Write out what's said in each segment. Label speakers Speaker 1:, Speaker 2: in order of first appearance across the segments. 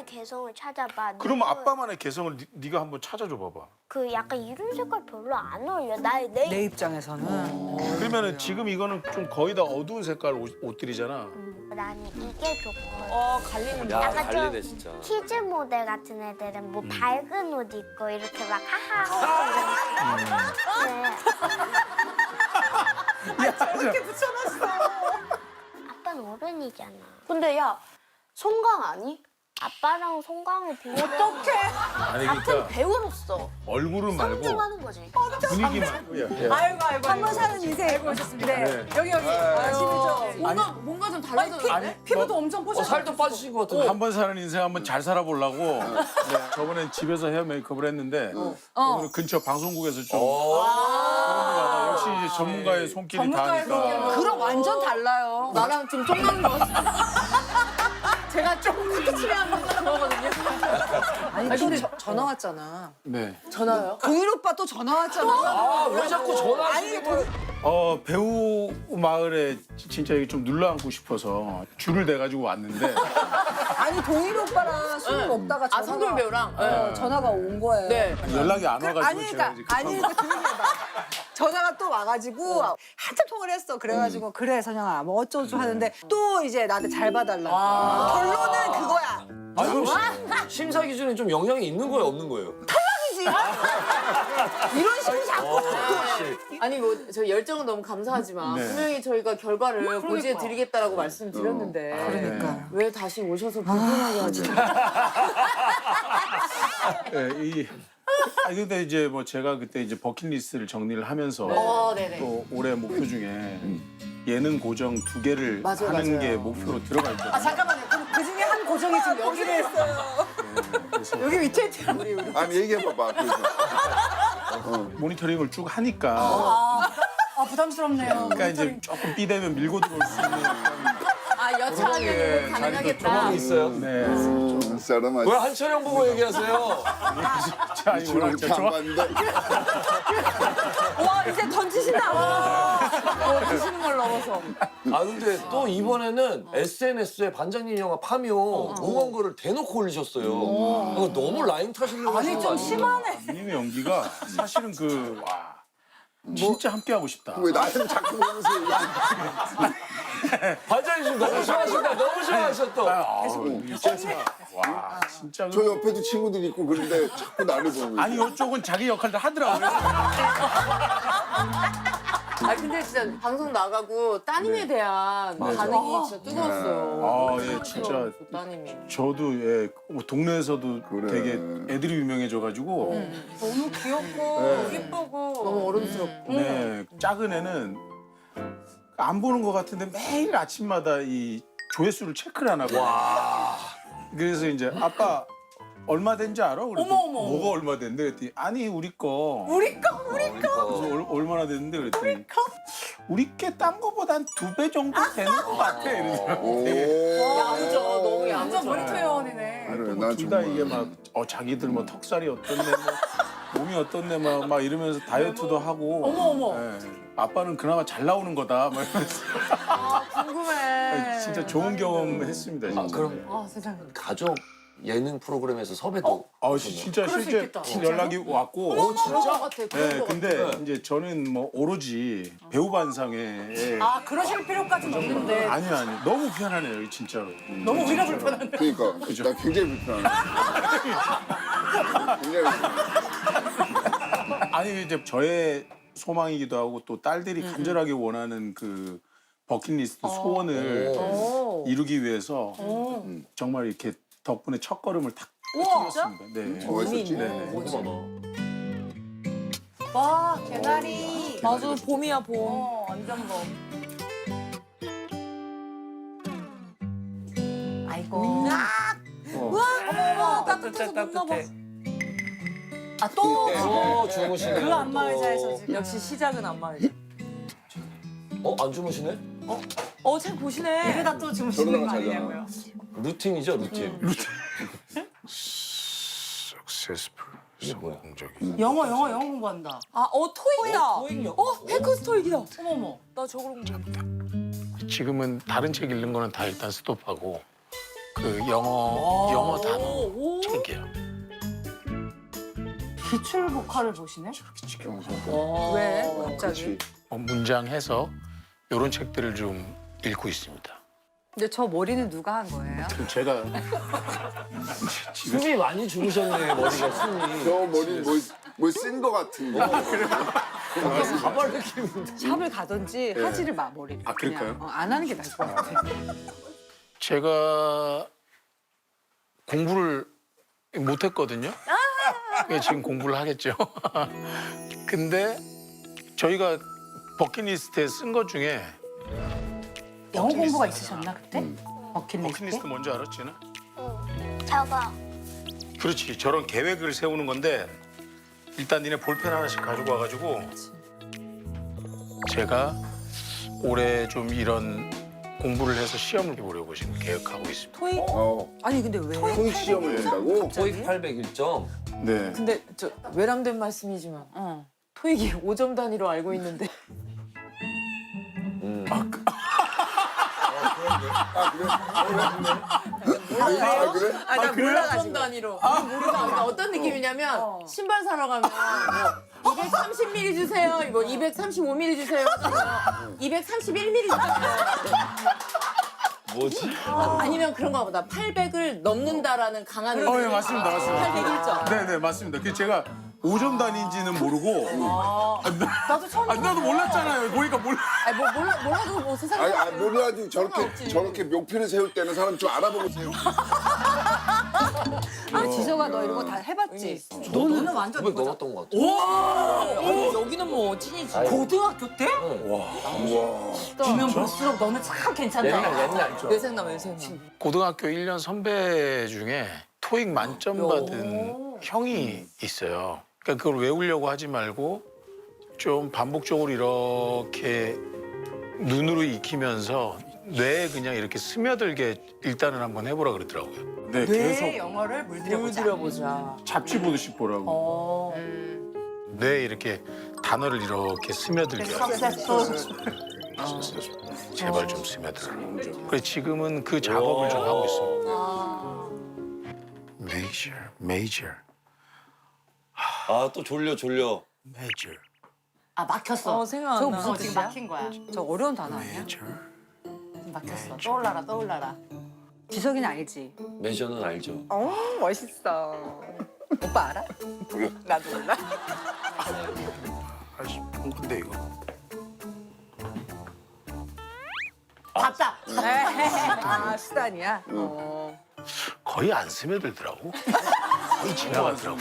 Speaker 1: 아빠만의 개성을 찾아봐.
Speaker 2: 그럼 아빠만의 개성을 네가 한번 찾아줘 봐봐.
Speaker 1: 그 약간 이런 색깔 별로 안 어울려.
Speaker 3: 내 입장에서는.
Speaker 2: 그러면은 지금 이거는 좀 거의 다 어두운 색깔 옷들이잖아.
Speaker 1: 나는 이게 좋거든.
Speaker 3: 갈리는
Speaker 4: 야,
Speaker 1: 약간
Speaker 4: 갈리네
Speaker 1: 좀
Speaker 4: 진짜.
Speaker 1: 키즈 모델 같은 애들은 뭐 밝은 옷 입고 이렇게 막 하하. 네.
Speaker 3: 이렇게 붙여놨어.
Speaker 1: 아빠는 어른이잖아.
Speaker 5: 근데 야, 송강 아니?
Speaker 1: 아빠랑 송강이 비교.
Speaker 5: 어떡해.
Speaker 2: 아니
Speaker 5: 같은
Speaker 2: 그러니까
Speaker 5: 배우로서
Speaker 2: 얼굴은 말고
Speaker 5: 존중하는 거지.
Speaker 2: 분위기만.
Speaker 3: 아이고. 한 번 사는 인생. 알고 오셨습니다. 네. 여기. 아시죠?
Speaker 5: 뭔가 좀 달라졌는데?
Speaker 3: 피부도 엄청 뽀얗고.
Speaker 4: 살도 빠지신 것 같은데.
Speaker 2: 한 번 사는 인생 한번 잘 살아보려고 네, 저번엔 집에서 헤어 메이크업을 했는데 오늘 근처 방송국에서 좀 역시 이제 전문가의 손길이 닿으니까
Speaker 3: 그럼 완전 달라요.
Speaker 5: 나랑 좀 쫑나는 거 같아. 제가 조금 그렇게 칠해하는 거 좋아하거든요.
Speaker 3: 아니 근데 전화 왔잖아.
Speaker 2: 네.
Speaker 5: 전화요?
Speaker 3: 동일 오빠 또 전화 왔잖아.
Speaker 4: 아, 왜 자꾸 전화하시는 거예요?
Speaker 2: 배우 마을에 진짜 이게 좀 눌러앉고 싶어서 줄을 대가지고 왔는데
Speaker 3: 아니 동일 오빠랑 술 먹다가
Speaker 5: 아, 성돌 배우랑?
Speaker 3: 전화가 온 거예요.
Speaker 5: 네.
Speaker 2: 연락이 안 와가지고
Speaker 3: 아니
Speaker 2: 제가
Speaker 3: 그러니까
Speaker 2: 이제
Speaker 3: 아니
Speaker 2: 급한
Speaker 3: 그러니까 조용히 해봐. 전화가 또 와가지고 한참 통화를 했어. 그래가지고 그래 선영아 뭐 어쩌고 하는데 또 이제 나한테 잘 봐달라고. 결론은 그거야.
Speaker 4: 아, 그럼 심사 기준에 좀 영향이 있는 거예요, 없는 거예요?
Speaker 3: 이런 식으로 자꾸.
Speaker 5: 아니 뭐 저희 열정은 너무 감사하지만
Speaker 2: 네.
Speaker 5: 분명히 저희가 결과를 고지해 드리겠다라고 말씀드렸는데
Speaker 3: 그러니까.
Speaker 5: 왜 다시 오셔서 불편하게 하지?
Speaker 2: 네, 근데 이제 뭐 제가 그때 이제 버킷리스트를 정리를 하면서
Speaker 5: 네네.
Speaker 2: 또 올해 목표 중에 예능 고정 2개를
Speaker 5: 맞아요,
Speaker 2: 하는
Speaker 5: 맞아요.
Speaker 2: 게 목표로 들어가 있거든요.
Speaker 3: 잠깐만요. 그럼 그 중에 한 고정이 지금 여기를 했어요.
Speaker 2: 그래서
Speaker 3: 여기 밑에 있대요. 우리.
Speaker 6: 아니 얘기해봐봐. 그래서.
Speaker 2: 모니터링을 쭉 하니까
Speaker 3: 아 부담스럽네요.
Speaker 2: 그러니까 이제 조금 삐대면 밀고 들어올 수 있는
Speaker 5: 아 여차하면 가능하겠다.
Speaker 4: 경험이 있어요?
Speaker 2: 네.
Speaker 6: 사람아.
Speaker 4: 왜 한철영 보고 얘기하세요?
Speaker 2: 자, 이 워낙
Speaker 6: 이렇게 안
Speaker 2: 좋아.
Speaker 6: 봤는데.
Speaker 3: 와 이제 던지신다.
Speaker 5: 드시는 걸 넘어서.
Speaker 4: 아, 근데 또 이번에는 SNS에 반장님 영화 파묘 응원 글을 대놓고 올리셨어요. 이거 너무 라인 타시려고 하시는 거 아니에요?
Speaker 2: 님의 연기가 사실은 진짜 함께 하고 싶다.
Speaker 6: 왜 나한테 자꾸 보면서
Speaker 4: 반장님 지금 너무 좋아하신다. 너무 좋아하셨 또.
Speaker 2: 와, 진짜.
Speaker 6: 저 옆에도 친구들이 있고 그런데 자꾸 나를 보고
Speaker 2: 아니, 이쪽은 자기 역할도 하더라고요.
Speaker 5: 아 근데 진짜 방송 나가고 따님에 대한 반응이 진짜 뜨거웠어요.
Speaker 2: 예, 진짜.
Speaker 5: 따님이.
Speaker 2: 저도 뭐 동네에서도
Speaker 6: 그래.
Speaker 2: 되게 애들이 유명해져가지고
Speaker 3: 너무 귀엽고 예쁘고.
Speaker 5: 너무 어른스럽고.
Speaker 2: 네, 작은 애는 안 보는 것 같은데 매일 아침마다 이 조회수를 체크를 안 하고. 그래서 이제 아빠 얼마 된지 알아? 그랬더니 뭐가 얼마 된대? 그랬더니 아니 우리 거. 그래서 얼마나 됐는데 그랬더니 우리 게 딴 거보다 한 2배 정도 되는 것 같아. 이러더라고. 되게.
Speaker 5: 야무져. 너무 야무져.
Speaker 3: 모니터 요원이네.
Speaker 6: 그래, 난
Speaker 2: 둘 다
Speaker 6: 정말.
Speaker 2: 이게 막 자기들 뭐 턱살이 어떻네 뭐 몸이 어떻네 막 이러면서 다이어트도 하고 어머 아빠는 그나마 잘 나오는 거다 막 이러면서
Speaker 5: 궁금해.
Speaker 2: 진짜 좋은 경험 했습니다 진짜.
Speaker 4: 아, 그럼
Speaker 3: 아 세상에.
Speaker 4: 가족 예능 프로그램에서 섭외도.
Speaker 2: 진짜 실제 연락이 왔고
Speaker 5: 진짜 같아. 그런
Speaker 2: 네,
Speaker 5: 거
Speaker 2: 근데
Speaker 5: 같아.
Speaker 2: 이제 저는 뭐 오로지 배우 반상에
Speaker 3: 아 그러실 필요까지는 없는데.
Speaker 2: 아니 너무 편하네요 진짜로.
Speaker 3: 너무 우리가 불편한데.
Speaker 6: 그러니까 나 굉장히 불편해. 굉장히 불편해.
Speaker 2: 아니 이제 저의 소망이기도 하고 또 딸들이 간절하게 원하는 그 버킷리스트 소원을 이루기 위해서 정말 이렇게 덕분에 첫 걸음을 탁 뛰었습니다. 네.
Speaker 6: 멋있었지?
Speaker 2: 네.
Speaker 3: 와 개나리.
Speaker 5: 맞아 봄이야 봄.
Speaker 3: 완전 봄. 아이고.
Speaker 5: 어머 따뜻해서 봄나 봐.
Speaker 3: 아또
Speaker 4: 주무시네.
Speaker 3: 그 안마의자에서 지금.
Speaker 5: 역시 시작은 안마의자.
Speaker 4: 안 주무시네?
Speaker 5: 책 보시네.
Speaker 3: 이러다 또 주무시는 거
Speaker 6: 저러다가
Speaker 3: 아니냐고요.
Speaker 4: 루틴이죠, 루틴.
Speaker 2: Successful.
Speaker 4: 이게 뭐야?
Speaker 2: 성공적인.
Speaker 3: 영어 공부한다.
Speaker 5: 토익이다.
Speaker 4: 토익이요?
Speaker 5: 헬커스 토익이다.
Speaker 3: 어머머.
Speaker 5: 나 저거로 공부해.
Speaker 2: 지금은 다른 책 읽는 거는 다 일단 스톱하고
Speaker 7: 그 영어 단어 책이에요.
Speaker 5: 기출 보컬을 보시네?
Speaker 3: 왜? 갑자기?
Speaker 6: 그렇지.
Speaker 7: 문장 해석 이런 책들을 좀 읽고 있습니다.
Speaker 3: 근데 저 머리는 누가 한 거예요?
Speaker 2: 그럼 제가
Speaker 4: 숨이 많이 죽으셨네 머리가 숨이.
Speaker 6: 저 머리 뭐쓴거 같은 거.
Speaker 4: 가발 느낌인데.
Speaker 3: 샵을 가든지 하지를 마 머리를.
Speaker 2: 아, 그럴까요?
Speaker 3: 그냥, 안 하는 게 나을 것 같아.
Speaker 7: 제가 공부를 못했거든요. 지금 공부를 하겠죠. 근데 저희가 버킷리스트에 쓴 것 중에
Speaker 5: 영어 공부가 있으셨나 그때? 버킷리스트?
Speaker 7: 버킷리스트 뭔지 알았지나?
Speaker 1: 저거
Speaker 7: 그렇지. 저런 계획을 세우는 건데 일단 니네 볼펜 하나씩 가지고 와가지고 제가 올해 좀 이런 공부를 해서 시험을 보려고 지금 계획하고 있습니다.
Speaker 3: 토익? 아니 근데 왜?
Speaker 6: 토익 시험을 낸다고?
Speaker 4: 토익 801점.
Speaker 2: 네.
Speaker 5: 근데 저 외람된 말씀이지만 토익이 5점 단위로 알고 있는데
Speaker 6: 아 그래?
Speaker 3: 나 몰라가지고.
Speaker 5: 5점 단위로 모르다. 그러니까 어떤 느낌이냐면 신발 사러 가면 뭐 230mm 주세요, 뭐 235mm 주세요, 231mm 주세요.
Speaker 4: 뭐지?
Speaker 5: 아니면 그런가 보다. 800을 넘는다라는 강한
Speaker 2: 예,
Speaker 5: 의지.
Speaker 2: 맞습니다. 맞습니다.
Speaker 5: 801점.
Speaker 2: 네네, 맞습니다. 그 제가 5점 단위인지는 모르고.
Speaker 5: 나도 처음
Speaker 2: 나도 몰랐잖아요. 보니까 몰라.
Speaker 5: 아니 뭐 몰라도 뭐 세상에
Speaker 6: 아니 몰라도
Speaker 5: 상관없지.
Speaker 6: 저렇게 목표를 세울 때는 사람 좀 알아보고 세우고.
Speaker 3: 아, 지서가 너 이런 거 다 해봤지?
Speaker 5: 너는 완전
Speaker 4: 900 넘었던 것 같아.
Speaker 5: 아니, 여기는 뭐 찐이지. 고등학교 때? 보면 볼수록 너는 참 괜찮다.
Speaker 4: 옛날 좀.
Speaker 5: 외생남 외생남.
Speaker 7: 고등학교 1년 선배 중에 토익 만점 받은 형이 있어요. 그러니까 그걸 외우려고 하지 말고 좀 반복적으로 이렇게 눈으로 익히면서 뇌에 그냥 이렇게 스며들게 일단은 한번 해보라 그러더라고요.
Speaker 2: 네,
Speaker 5: 뇌의
Speaker 2: 계속
Speaker 5: 영어를 물들여보자.
Speaker 2: 잡지 보듯이 보라고.
Speaker 7: 뇌에 이렇게 단어를 이렇게 스며들게 하고. 제발 좀 스며들어라. 그래서 지금은 그 작업을 좀 하고 있습니다. major.
Speaker 4: 아 또 졸려.
Speaker 7: major.
Speaker 5: 아 막혔어.
Speaker 3: 생각 안
Speaker 5: 저거
Speaker 3: 나.
Speaker 5: 무슨 지금
Speaker 3: 뜻이야?
Speaker 5: 막힌 거야.
Speaker 3: 저 어려운 단어 아니야?
Speaker 7: major.
Speaker 5: 막혔어. 떠올라라.
Speaker 3: 지석이는 알지?
Speaker 4: 매저는 알죠.
Speaker 3: 멋있어. 오빠 알아? 나도 몰라.
Speaker 7: 아이씨, 근데 이거.
Speaker 5: 봤다.
Speaker 3: 아, 수단이야?
Speaker 7: 거의 안 스며들더라고. 거의 지나가더라고.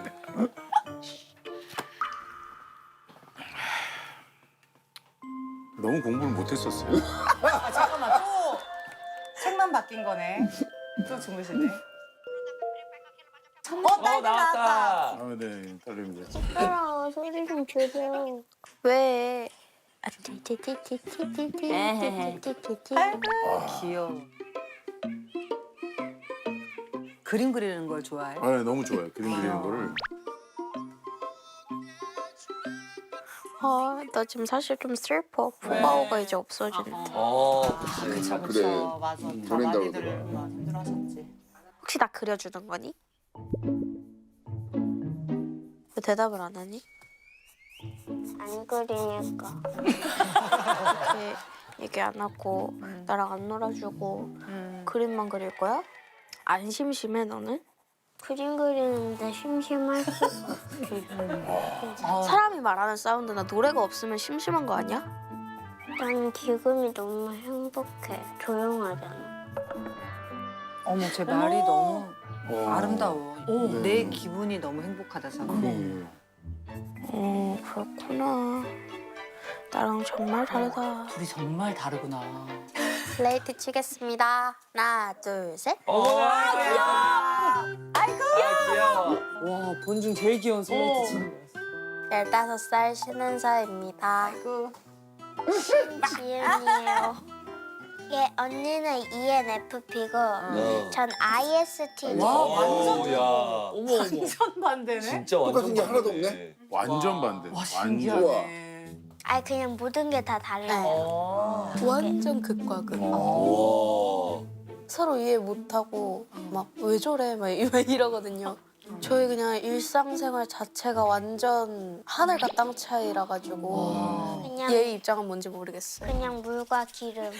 Speaker 2: 너무 공부를 못했었어요.
Speaker 5: 아, 잠깐만 또 책만 바뀐 거네. 또 주무시네.
Speaker 4: 나왔다.
Speaker 2: 아, 네, 딸입니다.
Speaker 1: 시끄러워. 소리 좀 줄여. 왜? 아, 띠띠띠띠띠띠띠띠띠띠띠.
Speaker 3: 귀여워. 그림 그리는 걸 좋아해?
Speaker 2: 아, 네, 너무 좋아요. 그림 그리는 거를.
Speaker 1: 나 지금 사실 좀 슬퍼. 푸바오가 이제 없어진대.
Speaker 4: 그치.
Speaker 6: 아 그래.
Speaker 5: 맞아. 다
Speaker 6: 보낸다고
Speaker 5: 많이들
Speaker 6: 그러더라.
Speaker 5: 힘들어하셨지.
Speaker 1: 혹시 나 그려주는 거니? 왜 대답을 안 하니? 안 그리니까. 이렇게 얘기 안 하고 나랑 안 놀아주고 그림만 그릴 거야? 안 심심해 너는? 그림 그리는데 심심할 수 사람이 말하는 사운드나 노래가 없으면 심심한 거 아니야? 난 지금이 너무 행복해. 조용하잖아.
Speaker 3: 어머, 제 말이 너무 아름다워.
Speaker 2: 네.
Speaker 3: 내 기분이 너무 행복하다잖아.
Speaker 1: 그렇구나. 나랑 정말 다르다.
Speaker 5: 둘이 정말 다르구나.
Speaker 1: 플레이트 치겠습니다. 하나, 둘, 셋.
Speaker 4: 귀여워.
Speaker 5: 와 본중 제일 귀여운 슬레이트 치는 거였어.
Speaker 1: 15살 신은서입니다. 지은이에요. 예, 언니는 ENFP고 전 ISTJ.
Speaker 4: 야.
Speaker 5: 어머 완전 반대네.
Speaker 4: 진짜
Speaker 6: 똑같은 게 하나도
Speaker 4: 반대네.
Speaker 6: 없네?
Speaker 2: 완전 반대.
Speaker 5: 와
Speaker 2: 완전.
Speaker 5: 신기하네.
Speaker 1: 아 그냥 모든 게 다 달라요.
Speaker 5: 완전 극과 극.
Speaker 4: 와.
Speaker 1: 서로 이해 못하고 막 왜 저래 막 이러거든요. 저희 그냥 일상생활 자체가 완전 하늘과 땅 차이라 가지고
Speaker 8: 그냥
Speaker 1: 얘 입장은 뭔지 모르겠어요.
Speaker 8: 그냥 물과 기름.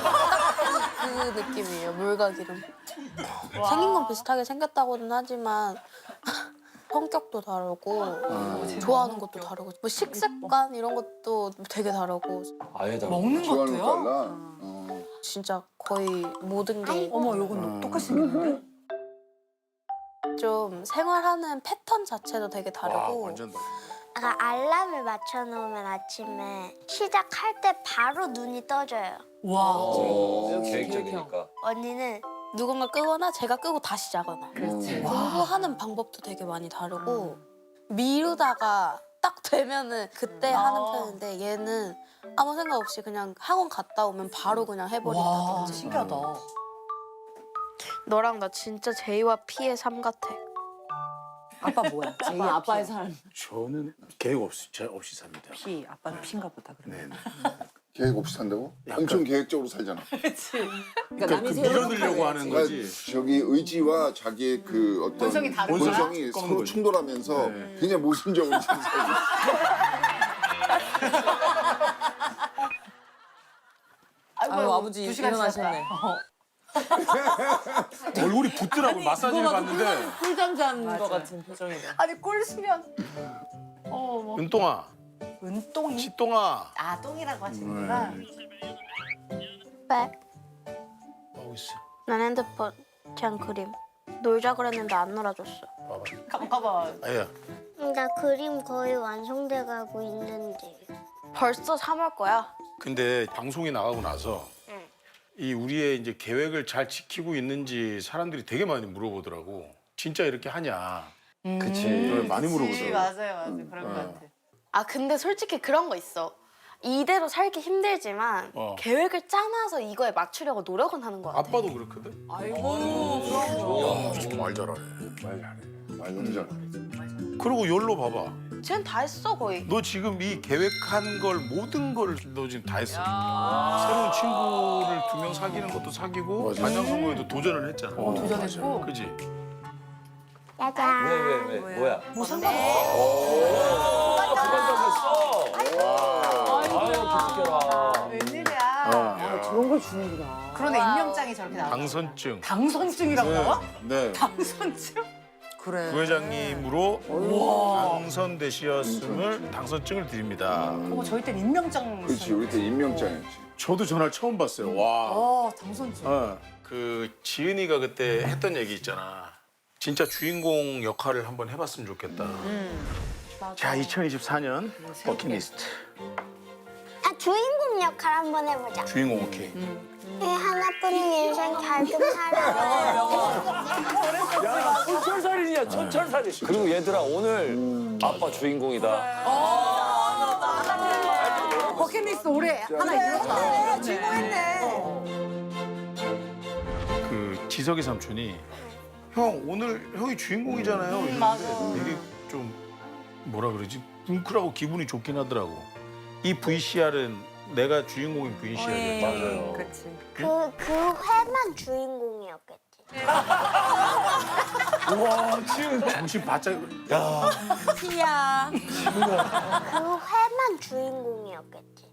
Speaker 1: 그 느낌이에요. 물과 기름. 생긴 건 비슷하게 생겼다고는 하지만 성격도 다르고 좋아하는 것도 다르고 뭐 식습관 이런 것도 되게 다르고
Speaker 4: 아예 다
Speaker 5: 먹는
Speaker 6: 좋아하는 거
Speaker 5: 것도요?
Speaker 6: 달라.
Speaker 1: 진짜 거의 모든 게
Speaker 3: 어머 요건 똑같이 생겼는데?
Speaker 1: 좀 생활하는 패턴 자체도 되게
Speaker 7: 와,
Speaker 1: 다르고
Speaker 7: 완전 다르.
Speaker 8: 아까 알람을 맞춰놓으면 아침에 시작할 때 바로 눈이 떠져요.
Speaker 5: 와.
Speaker 4: 계획적이니까.
Speaker 8: 언니는
Speaker 1: 누군가 끄거나 제가 끄고 다시 자거나
Speaker 5: 그렇지.
Speaker 1: 공부하는 방법도 되게 많이 다르고 미루다가 딱 되면은 그때 하는 편인데 얘는 아무 생각 없이 그냥 학원 갔다 오면 바로 그냥
Speaker 5: 와,
Speaker 1: 해버린다든지
Speaker 5: 신기하다.
Speaker 1: 너랑 나 진짜 제이와 피의 삶 같아.
Speaker 3: 아빠 뭐야?
Speaker 5: 아빠, 아빠의 삶.
Speaker 7: 저는 계획 없이 삽니다.
Speaker 3: 피. 아빠는 피인가 보다 그러면.
Speaker 7: 네.
Speaker 6: 계획 없이 산다고? 엄청 계획적으로 살잖아.
Speaker 5: 그러니까 남이
Speaker 7: 그
Speaker 5: 세워놓고
Speaker 7: 밀어내려고 하는
Speaker 5: 해야지.
Speaker 7: 거지.
Speaker 6: 저기 의지와 자기의 그 어떤
Speaker 5: 본성이 다른
Speaker 7: 거야?
Speaker 6: 본성이
Speaker 7: 꺾는
Speaker 6: 서로
Speaker 7: 거지.
Speaker 6: 충돌하면서
Speaker 7: 네.
Speaker 6: 그냥 모순적으로 살고.
Speaker 5: 아유, 아버지 일어나셨네.
Speaker 7: 얼굴이 붓더라고 마사지를 받는데.
Speaker 5: 꿀잠 잔것 같은 표정이다.
Speaker 3: 아니 꼴 수면.
Speaker 7: 은똥아,
Speaker 3: 은똥이.
Speaker 7: 치똥아.
Speaker 3: 아 똥이라고 하시는구나.
Speaker 1: 왜?
Speaker 7: 하고 있어.
Speaker 1: 난 핸드폰 그냥 그림 놀자 그랬는데 안 놀아줬어.
Speaker 7: 봐봐.
Speaker 3: 봐봐.
Speaker 7: 아야.
Speaker 8: 나 그림 거의 완성돼 가고 있는데.
Speaker 1: 벌써 3월 거야.
Speaker 7: 근데 방송이 나가고 나서
Speaker 8: 응.
Speaker 7: 이 우리의 이제 계획을 잘 지키고 있는지 사람들이 되게 많이 물어보더라고. 진짜 이렇게 하냐?
Speaker 4: 그치.
Speaker 7: 많이 물어보더라고.
Speaker 3: 맞아요. 그런 것 같아.
Speaker 1: 아 근데 솔직히 그런 거 있어. 이대로 살기 힘들지만 계획을 짜놔서 이거에 맞추려고 노력은 하는 거 같아.
Speaker 7: 아빠도 그렇거든.
Speaker 5: 아이고.
Speaker 7: 말 잘하네.
Speaker 6: 말 너무 잘하네.
Speaker 7: 그리고 열로 봐봐.
Speaker 1: 쟤는 다 했어 거의.
Speaker 7: 너 지금 이 계획한 걸 모든 걸 너 지금 다 했어. 새로운 친구를 2명 사귀는 것도 사귀고 반장 선거에도 도전을 했잖아.
Speaker 5: 도전했고.
Speaker 7: 그지?
Speaker 8: 짜잔.
Speaker 4: 왜? 뭐야?
Speaker 3: 뭐 상관없어.
Speaker 4: 주관적이었어. 아유, 기특해라.
Speaker 3: 웬일이야.
Speaker 5: 저런 걸 주는구나.
Speaker 3: 그러네 임명장이 저렇게 나와.
Speaker 7: 당선증.
Speaker 3: 당선증이라고 나와?
Speaker 2: 네.
Speaker 3: 당선증? 그래.
Speaker 7: 부회장님으로 당선되셨음을 당선증을 드립니다.
Speaker 3: 어머 저희 땐 임명장.
Speaker 6: 그렇지, 우리 때 임명장이었지.
Speaker 7: 저도 전화를 처음 봤어요. 와.
Speaker 3: 당선증.
Speaker 7: 그 지은이가 그때 했던 얘기 있잖아. 진짜 주인공 역할을 한번 해봤으면 좋겠다. 자, 2024년 버킷리스트.
Speaker 8: 아 주인공 역할 한번 해보자.
Speaker 7: 주인공 오케이.
Speaker 8: 이 하나뿐인 인생 잘 좀 살아.
Speaker 4: 천철살인이야, 천철살인. 그리고 얘들아, 오늘 아빠 주인공이다.
Speaker 3: 버킷리스트 올해 하나 이뤘다. 주인공 했네.
Speaker 7: 그 지석이 삼촌이 형 오늘 형이 주인공이잖아요. 이랬는데 되게 좀 뭐라 그러지? 뭉클하고 기분이 좋긴 하더라고. 이 VCR은 내가 주인공인 VCR이야.
Speaker 4: 맞아요.
Speaker 3: 그렇지.
Speaker 8: 그 회만 주인공이었겠지.
Speaker 4: 와, 지은.
Speaker 7: 정신 바짝.
Speaker 4: 야,
Speaker 1: 피야.
Speaker 8: 그 회만 주인공이었겠지.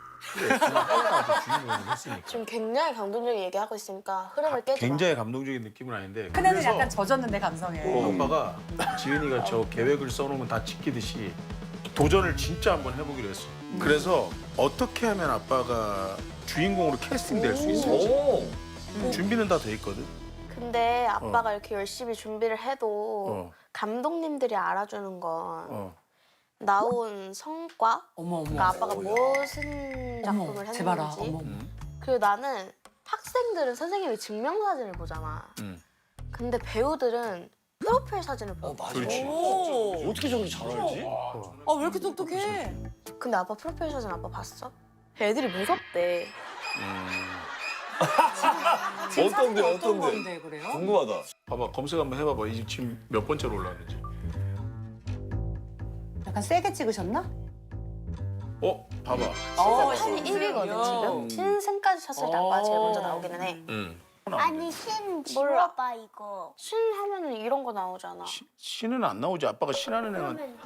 Speaker 7: 주인공을 했으니까.
Speaker 1: 지금 굉장히 감동적인 얘기하고 있으니까 흐름을 깨지 마.
Speaker 7: 굉장히 감동적인 느낌은 아닌데.
Speaker 3: 큰애는
Speaker 7: 그래서
Speaker 3: 약간 젖었는데 감성에.
Speaker 7: 아빠가 지은이가 저 계획을 써놓으면 다 지키듯이 도전을 진짜 한번 해보기로 했어. 그래서 어떻게 하면 아빠가 주인공으로 캐스팅될 수 있을지
Speaker 4: 오.
Speaker 7: 준비는 다 돼 있거든.
Speaker 1: 근데 아빠가 이렇게 열심히 준비를 해도 감독님들이 알아주는 건 나온 성과?
Speaker 5: 어머, 어머.
Speaker 1: 그러니까 아빠가 무슨 작품을
Speaker 5: 어머, 제발아.
Speaker 1: 했는지.
Speaker 5: 어머.
Speaker 1: 그리고 나는 학생들은 선생님이 증명사진을 보잖아. 근데 배우들은 프로필 사진을 봐.
Speaker 4: 맞아.
Speaker 7: 그렇지.
Speaker 5: 오.
Speaker 4: 어떻게 저렇게 잘 알지?
Speaker 5: 아, 왜 이렇게 똑똑해?
Speaker 1: 근데 아빠 프로필 사진 아빠 봤어? 애들이 무섭대.
Speaker 4: 어떤데,
Speaker 5: 어떤
Speaker 4: 어떤데?
Speaker 5: 건데 그래요?
Speaker 4: 궁금하다.
Speaker 7: 봐봐 검색 한번 해봐봐. 이 지금 몇 번째로 올라왔는지.
Speaker 3: 약간 세게 찍으셨나?
Speaker 7: 봐봐.
Speaker 1: 한 1위거든 지금. 신생까지 쳤을 때 아빠가 제일 먼저 나오기는 해.
Speaker 8: 아니 신
Speaker 1: 몰라.
Speaker 8: 지워봐 이거.
Speaker 1: 신 하면은 이런 거 나오잖아.
Speaker 7: 신은 안 나오지. 아빠가 신하는 애는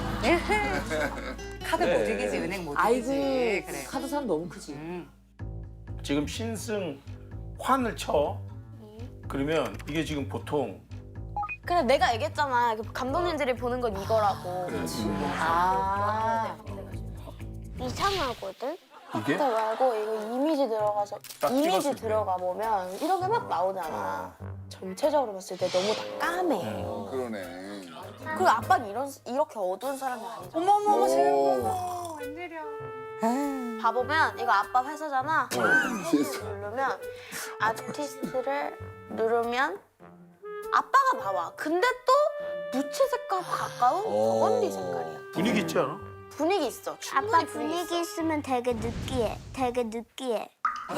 Speaker 3: 카드 못 이기지, 은행 못
Speaker 5: 아이고
Speaker 3: 이기지. 그래.
Speaker 5: 카드산 너무 크지.
Speaker 7: 지금 신승 환을 쳐. 그러면 이게 지금 보통
Speaker 1: 그래 내가 얘기했잖아. 감독님들이 보는 건 이거라고.
Speaker 5: 아.
Speaker 8: 이상하거든.
Speaker 7: 이게
Speaker 1: 그때 말고 이거 이미지 들어가서
Speaker 7: 딱
Speaker 1: 이미지
Speaker 7: 찍었을 때.
Speaker 1: 들어가 보면 이런 게 막 나오잖아. 전체적으로 봤을 때 너무 다 까매.
Speaker 6: 그러네.
Speaker 1: 그리고 아빠는 이렇게 어두운 사람이 아니잖아.
Speaker 3: 어머머, 제발.
Speaker 6: 오.
Speaker 3: 웬일이야.
Speaker 1: 봐보면 이거 아빠 회사잖아.
Speaker 6: 실수.
Speaker 1: 누르면 아티스트를 누르면 아빠가 나와. 근데 또 무채 색깔과 가까운 버건디 색깔이야.
Speaker 7: 분위기 있지 않아?
Speaker 1: 분위기 있어.
Speaker 8: 아빠
Speaker 1: 충분히
Speaker 8: 분위기 있으면 되게 느끼해. 되게 느끼해.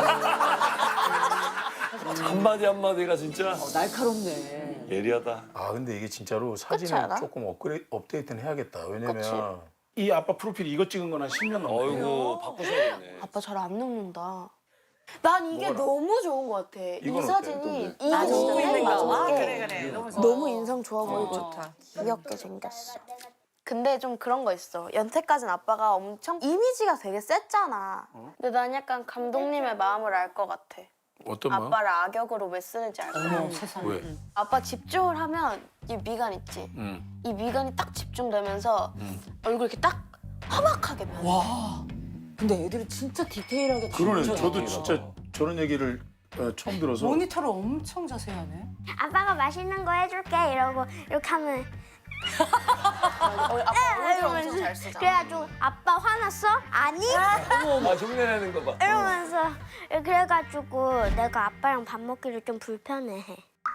Speaker 4: 한마디 한마디가 진짜
Speaker 5: 날카롭네.
Speaker 4: 예리하다.
Speaker 7: 아 근데 이게 진짜로
Speaker 1: 그렇지
Speaker 7: 사진을
Speaker 1: 않아?
Speaker 7: 조금 업데이트는 해야겠다. 왜냐면
Speaker 1: 그치.
Speaker 7: 이 아빠 프로필 이거 찍은 건 한 10년 넘게.
Speaker 4: 어이구 바꾸셔야겠네.
Speaker 1: 아빠 잘 안 눕는다. 난 이게
Speaker 7: 뭐라?
Speaker 1: 너무 좋은 것 같아. 이
Speaker 7: 이건 어때?
Speaker 1: 사진이 이
Speaker 3: 아,
Speaker 1: 진짜
Speaker 3: 진짜
Speaker 1: 맨
Speaker 3: 아,
Speaker 1: 마지막에
Speaker 3: 그래. 너무 좋아.
Speaker 1: 너무 인상 좋아 보이고
Speaker 3: 좋다.
Speaker 1: 귀엽게 생겼어. 근데 좀 그런 거 있어. 연태까지는 아빠가 엄청 이미지가 되게 셌잖아. 근데 난 약간 감독님의 마음을 알 것 같아.
Speaker 7: 어떤 마음?
Speaker 1: 아빠를 악역으로 왜 쓰는지 알 것 같아.
Speaker 7: 왜?
Speaker 1: 아빠 집중을 하면 이 미간 있지? 이 미간이 딱 집중되면서 얼굴 이렇게 딱 험악하게 변해.
Speaker 5: 와. 근데 애들이 진짜 디테일하게
Speaker 7: 그러네.
Speaker 5: 진짜
Speaker 7: 저도
Speaker 5: 디테일하다.
Speaker 7: 진짜 저런 얘기를 처음 들어서.
Speaker 3: 모니터를 엄청 자세히 하네.
Speaker 8: 아빠가 맛있는 거 해줄게 이러고 이렇게 하면
Speaker 1: 아빠 얼굴 엄청 잘 쓰잖아.
Speaker 8: 그래가지고 아빠 화났어? 아니?
Speaker 4: 아 흉내내는 거 봐.
Speaker 8: 이러면서 그래가지고 내가 아빠랑 밥 먹기를 좀 불편해해.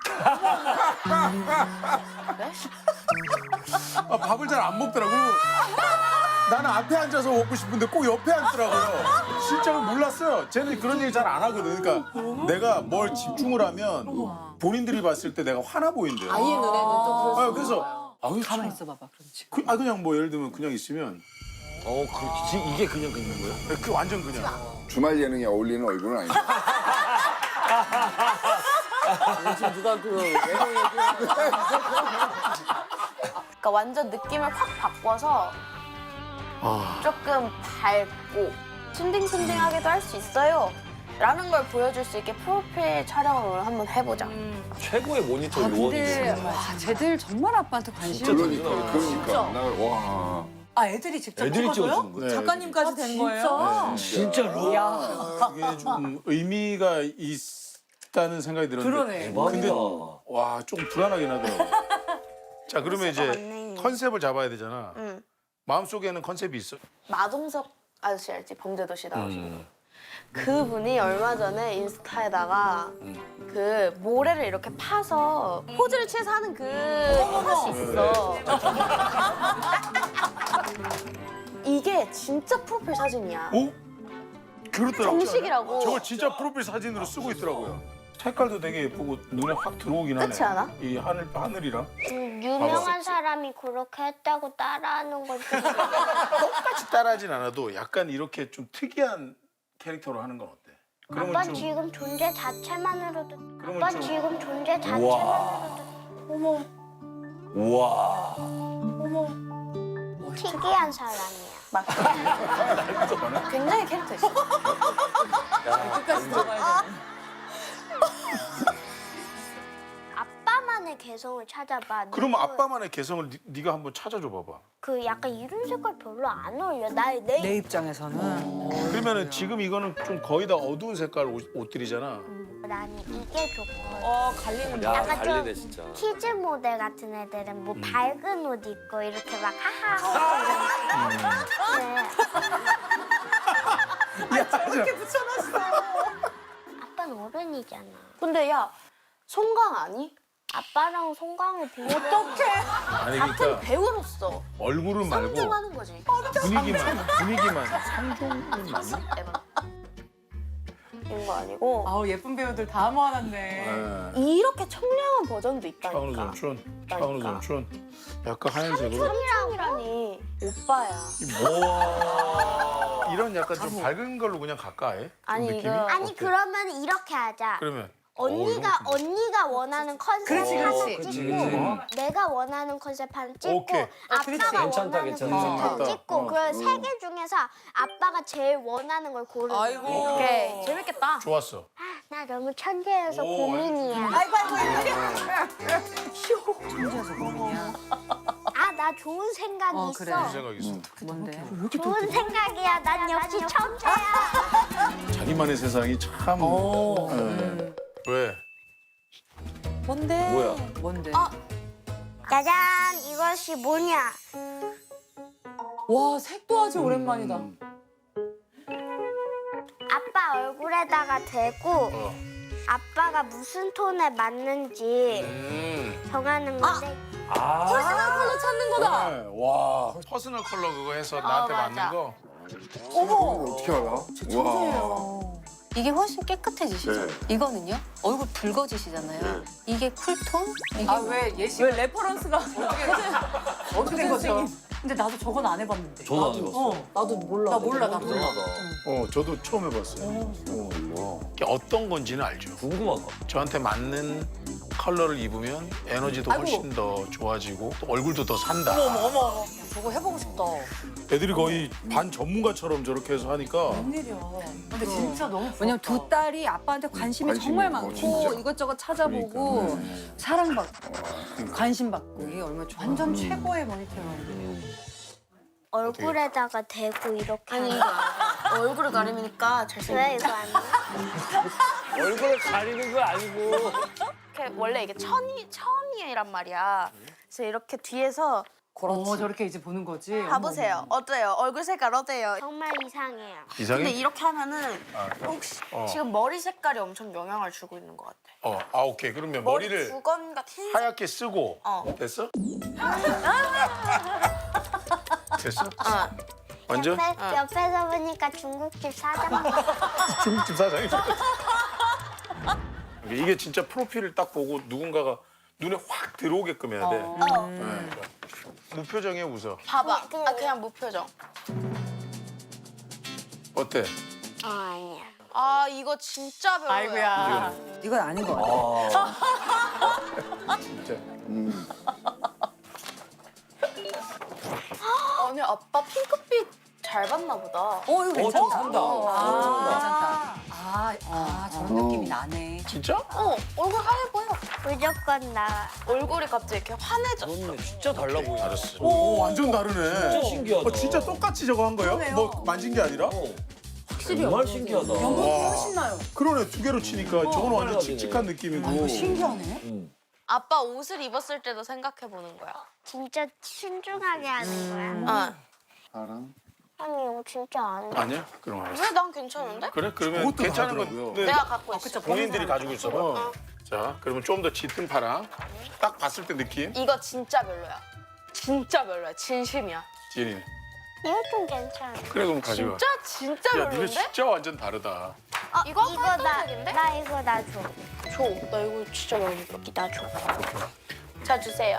Speaker 2: 아, 밥을 잘 안 먹더라고. 나는 앞에 앉아서 먹고 싶은데 꼭 옆에 앉더라고요. 실제로 몰랐어요. 쟤는 그런 얘기 잘 안 하거든. 그러니까 내가 뭘 집중을 하면 본인들이 봤을 때 내가 화나 보인대요.
Speaker 5: 아이의 눈에는 또 그럴 수
Speaker 2: 그래서
Speaker 3: 가만히 있어봐봐, 그렇지.
Speaker 2: 그냥 뭐 예를 들면 그냥 있으면
Speaker 4: 이게 그냥 긋는 거예요?
Speaker 2: 그 완전 그냥.
Speaker 6: 주말 예능에 어울리는 얼굴은 아니야.
Speaker 5: 지금 누가 그 외모 얘기
Speaker 1: 그러니까 완전 느낌을 확 바꿔서 조금 밝고 순딩순딩하게도 할 수 있어요. 라는 걸 보여줄 수 있게 프로필 촬영을 오늘 한번 해보자.
Speaker 4: 최고의 모니터
Speaker 3: 아, 근데
Speaker 4: 요원이네.
Speaker 3: 와, 쟤들 정말 아빠한테 관심이
Speaker 6: 그러니까. 나 와.
Speaker 3: 아, 애들이 직접
Speaker 4: 애들이
Speaker 3: 찍어줘요?
Speaker 4: 찍어주는 거야.
Speaker 2: 네,
Speaker 3: 작가님까지 된 거예요?
Speaker 4: 진짜로?
Speaker 2: 이게 좀 의미가 있다는 생각이 들었는데.
Speaker 3: 그러네.
Speaker 2: 근데
Speaker 4: 대박이다.
Speaker 2: 와, 좀 불안하긴 하더라고.
Speaker 7: 자 그러면 이제
Speaker 1: 맞네.
Speaker 7: 컨셉을 잡아야 되잖아.
Speaker 1: 응.
Speaker 7: 마음속에는 컨셉이 있어.
Speaker 1: 마동석 아저씨 알지? 범죄도시 나오시는 그분이 얼마 전에 인스타에다가 그 모래를 이렇게 파서 포즈를 취해서 하는 그 컷이 있어. 이게 진짜 프로필 사진이야.
Speaker 2: 오? 그렇더라고요.
Speaker 1: 정식이라고.
Speaker 2: 저걸 진짜 프로필 사진으로 쓰고 있더라고요. 색깔도 되게 예쁘고 눈에 확 들어오긴 하네.
Speaker 1: 그렇지 않아?
Speaker 2: 이 하늘이랑.
Speaker 8: 유명한 사람이 그렇게 했다고 따라하는 건 좀.
Speaker 7: 똑같이 따라하진 않아도 약간 이렇게 좀 특이한 캐릭터로 하는 건 어때? 그러면
Speaker 8: 아빠
Speaker 7: 좀
Speaker 8: 지금 존재 자체만으로도.
Speaker 7: 그러면
Speaker 8: 아빠
Speaker 7: 좀-
Speaker 8: 지금 존재
Speaker 4: 우와.
Speaker 8: 자체만으로도.
Speaker 4: 우와.
Speaker 8: 특이한 사람이야.
Speaker 1: 맞아. 굉장히 캐릭터 있어.
Speaker 5: 끝까지 들어가야 돼.
Speaker 8: 아빠만의 개성을 찾아봐.
Speaker 7: 그러면 아빠만의 개성을 네가 한번 찾아줘 봐봐.
Speaker 8: 그 약간 이런 색깔 별로 안 어울려. 내
Speaker 3: 내 입장에서는.
Speaker 7: 그러면은 지금 이거는 좀 거의 다 어두운 색깔 옷들이잖아.
Speaker 8: 나는 이게 좋고.
Speaker 5: 갈리는
Speaker 4: 야
Speaker 8: 약간 좀-
Speaker 4: 달리네 진짜.
Speaker 8: 키즈 모델 같은 애들은 뭐 밝은 옷 입고 이렇게 막 하하 하고 이렇게 아빠는 어른이잖아.
Speaker 1: 근데 야, 송강 아니?
Speaker 8: 아빠랑 송강을 비교.
Speaker 7: 아니
Speaker 1: 같은
Speaker 7: 그러니까
Speaker 1: 배우로서
Speaker 7: 얼굴은 말고
Speaker 1: 상종하는 거지.
Speaker 7: 분위기만 상종은 맞나?
Speaker 1: 에바. 이런 거 아니고
Speaker 3: 아우, 예쁜 배우들 다 모아놨네.
Speaker 1: 이렇게 청량한 버전도
Speaker 7: 차은우
Speaker 1: 있다니까.
Speaker 7: 삼촌, 차은우 삼촌. 약간 하얀색으로
Speaker 1: 청량이라니 오빠야.
Speaker 4: 와.
Speaker 7: 이런 약간 좀 밝은 걸로 그냥 갈까 해?
Speaker 1: 아니
Speaker 7: 느낌이?
Speaker 1: 이거
Speaker 8: 아니
Speaker 7: 어때?
Speaker 8: 그러면 이렇게 하자.
Speaker 7: 그러면
Speaker 8: 언니가 원하는 컨셉
Speaker 3: 그렇지,
Speaker 8: 하나
Speaker 3: 그렇지.
Speaker 8: 찍고 내가 원하는 컨셉 하나 찍고
Speaker 7: 오케이.
Speaker 8: 아빠가
Speaker 4: 괜찮다,
Speaker 8: 원하는
Speaker 4: 괜찮다.
Speaker 8: 컨셉 하나
Speaker 2: 괜찮다.
Speaker 8: 찍고 그 세 개 중에서 아빠가 제일 원하는 걸 고르는 거야.
Speaker 1: 오케이. 재밌겠다.
Speaker 7: 좋았어.
Speaker 8: 나 너무 천재여서
Speaker 2: 오,
Speaker 8: 고민이야.
Speaker 3: 아이고 아이고.
Speaker 8: 아, 나 좋은 생각이
Speaker 3: 그래.
Speaker 8: 있어.
Speaker 7: 무슨 생각 있어?
Speaker 3: 뭔데?
Speaker 8: 좋은 생각이야. 난 역시 천재야.
Speaker 2: 자기만의 세상이 참. 예.
Speaker 7: 왜?
Speaker 5: 뭔데?
Speaker 4: 뭐야?
Speaker 3: 뭔데?
Speaker 8: 짜잔, 이것이 뭐냐?
Speaker 5: 와 색도 아주 오랜만이다.
Speaker 8: 아빠 얼굴에다가 대고
Speaker 7: 어.
Speaker 8: 아빠가 무슨 톤에 맞는지 정하는 건데
Speaker 5: 퍼스널 컬러 찾는 거다.
Speaker 2: 네, 와.
Speaker 7: 퍼스널 컬러 그거 해서 나한테
Speaker 1: 맞아.
Speaker 7: 맞는 거.
Speaker 6: 어떻게 알아? 와.
Speaker 9: 이게 훨씬 깨끗해지시죠?
Speaker 6: 네.
Speaker 9: 이거는요? 얼굴 붉어지시잖아요. 이게 쿨톤? 이게
Speaker 3: 아왜 예시
Speaker 5: 왜 레퍼런스가
Speaker 3: 어떻게 된 거죠? 근데 나도 저건 안 해봤는데.
Speaker 4: 저도 안 해봤어.
Speaker 5: 나도 몰라.
Speaker 3: 나 몰라 나 몰라.
Speaker 4: 궁금하다.
Speaker 2: 저도 처음 해봤어요.
Speaker 7: 이게 어떤 건지는 알죠.
Speaker 4: 궁금하다.
Speaker 7: 저한테 맞는 컬러를 입으면 에너지도 훨씬 더 좋아지고 또 얼굴도 더 산다.
Speaker 3: 저거 해보고 싶다.
Speaker 2: 애들이 거의 반 전문가처럼 저렇게 해서 하니까.
Speaker 3: 근데 진짜 너무 왜냐면 두 딸이 아빠한테 관심이
Speaker 6: 관심이
Speaker 3: 정말
Speaker 6: 많고,
Speaker 3: 많고
Speaker 6: 진짜.
Speaker 3: 이것저것 찾아보고
Speaker 6: 그러니까, 네.
Speaker 3: 사랑받고 관심받고 이게 얼마나 좋아. 완전 최고의 모니터링.
Speaker 8: 얼굴에다가 대고 이렇게 하는
Speaker 1: 얼굴을 가리니까 잘생겼어.
Speaker 8: 왜 이거 안 해?
Speaker 4: 얼굴을 가리는 거 아니고.
Speaker 1: 이렇게 원래 이게 천이란 말이야. 그래서 이렇게 뒤에서
Speaker 3: 저렇게 이제 보는 거지.
Speaker 1: 봐보세요. 어때요? 얼굴 색깔 어때요?
Speaker 8: 정말 이상해요.
Speaker 1: 근데
Speaker 7: 이상해?
Speaker 1: 이렇게 하면은 혹시 지금 머리 색깔이 엄청 영향을 주고 있는 것 같아.
Speaker 7: 오케이. 그러면
Speaker 1: 머리
Speaker 7: 머리를
Speaker 1: 두건과 흰색.
Speaker 7: 하얗게 쓰고 됐어? 됐어? 완전?
Speaker 8: 옆에서 보니까 중국집 사장.
Speaker 2: 중국집 사장이.
Speaker 7: 이게 진짜 프로필을 딱 보고 누군가가 눈에 확 들어오게끔 해야 돼. 네. 무표정에 웃어.
Speaker 1: 봐봐. 그냥 무표정.
Speaker 7: 어때?
Speaker 8: 아니야.
Speaker 1: 아 이거 진짜 별로야.
Speaker 5: 아이고야.
Speaker 3: 이건 아닌 것 같아.
Speaker 2: 진짜.
Speaker 1: 아니 아빠 핑크빛 잘 봤나 보다.
Speaker 3: 이거 괜찮다.
Speaker 4: 좀 산다.
Speaker 3: 괜찮다. 저런 느낌이 나네.
Speaker 7: 진짜?
Speaker 1: 얼굴 하얘 보여.
Speaker 8: 무조건 나.
Speaker 1: 얼굴이 갑자기 이렇게 환해져.
Speaker 4: 그렇네. 진짜 달라 보여.
Speaker 7: 알았어.
Speaker 2: 오, 완전 다르네.
Speaker 4: 진짜 신기하다.
Speaker 2: 진짜 똑같이 저거 한 거예요?
Speaker 3: 그러네요.
Speaker 2: 뭐 만진 게 아니라?
Speaker 4: 확실히 정말 신기하다.
Speaker 3: 훨씬 나요.
Speaker 2: 그러네, 두 개로 치니까 저건 완전
Speaker 4: 빨갛네.
Speaker 2: 칙칙한 느낌이고.
Speaker 3: 신기하네.
Speaker 1: 아빠 옷을 입었을 때도 생각해 보는 거야.
Speaker 8: 진짜 신중하게 하는 거야.
Speaker 6: 사랑?
Speaker 8: 아니 이거 진짜 안 돼.
Speaker 7: 아니야? 그럼 알았어.
Speaker 1: 왜 난 괜찮은데?
Speaker 7: 그래? 그러면
Speaker 2: 그것도
Speaker 7: 괜찮은
Speaker 2: 다르더라고요.
Speaker 7: 건 네.
Speaker 1: 내가 갖고 있어.
Speaker 7: 본인들이 가지고 있어 봐. 자, 그러면 좀 더 짙은 파랑. 딱 봤을 때 느낌.
Speaker 1: 이거 진짜 별로야. 진짜 별로야. 진심이야.
Speaker 7: 지린이.
Speaker 8: 이거 좀 괜찮아.
Speaker 7: 그래, 그럼 가져가.
Speaker 1: 진짜
Speaker 7: 야, 니네
Speaker 1: 별론데?
Speaker 7: 진짜 완전 다르다.
Speaker 1: 이거
Speaker 8: 나
Speaker 1: 활동적인데?
Speaker 8: 이거 나 줘.
Speaker 1: 줘. 나 이거 진짜 마음에 들어. 나 줘. 자 주세요.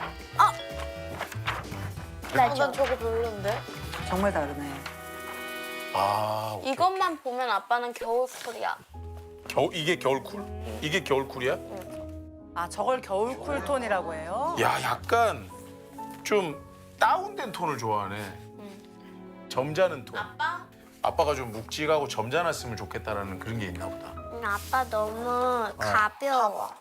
Speaker 8: 나 줘.
Speaker 1: 난 저거 별론데?
Speaker 3: 정말 다르네.
Speaker 7: 오케이.
Speaker 1: 이것만 보면 아빠는 겨울쿨이야.
Speaker 7: 이게 겨울쿨? 이게 겨울쿨이야?
Speaker 3: 저걸 겨울 쿨톤이라고 해요?
Speaker 7: 야, 약간 좀 다운된 톤을 좋아하네. 점잖은 톤. 아빠가 좀 묵직하고 점잖았으면 좋겠다라는 그런 게 있나 보다.
Speaker 8: 아빠 너무 가벼워.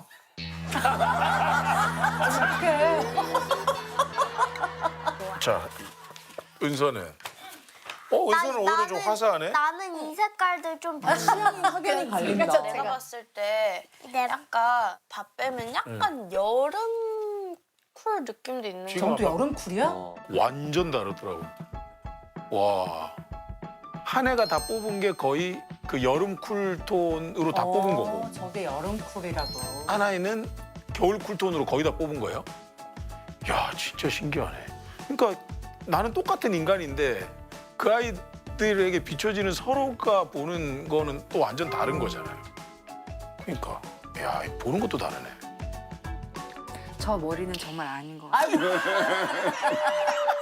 Speaker 7: 자, 은서는. 은서는 오히려 좀 화사하네.
Speaker 8: 나는 이 색깔들 좀
Speaker 5: 확연히 갈린다.
Speaker 1: 내가 봤을 때
Speaker 8: 내
Speaker 1: 약간 다 빼면 약간 여름 쿨 느낌도 있는
Speaker 7: 지금
Speaker 1: 거.
Speaker 3: 저도 여름 쿨이야?
Speaker 7: 완전 다르더라고. 와. 한 해가 다 뽑은 게 거의 그 여름 쿨톤으로 다 뽑은 거고.
Speaker 3: 저게 여름 쿨이라고.
Speaker 7: 하나에는 겨울 쿨톤으로 거의 다 뽑은 거예요? 야, 진짜 신기하네. 그러니까 나는 똑같은 인간인데 그 아이들에게 비춰지는 서로가 보는 거는 또 완전 다른 거잖아요. 그러니까 야, 보는 것도 다르네.
Speaker 3: 저 머리는 정말 아닌 것 같아.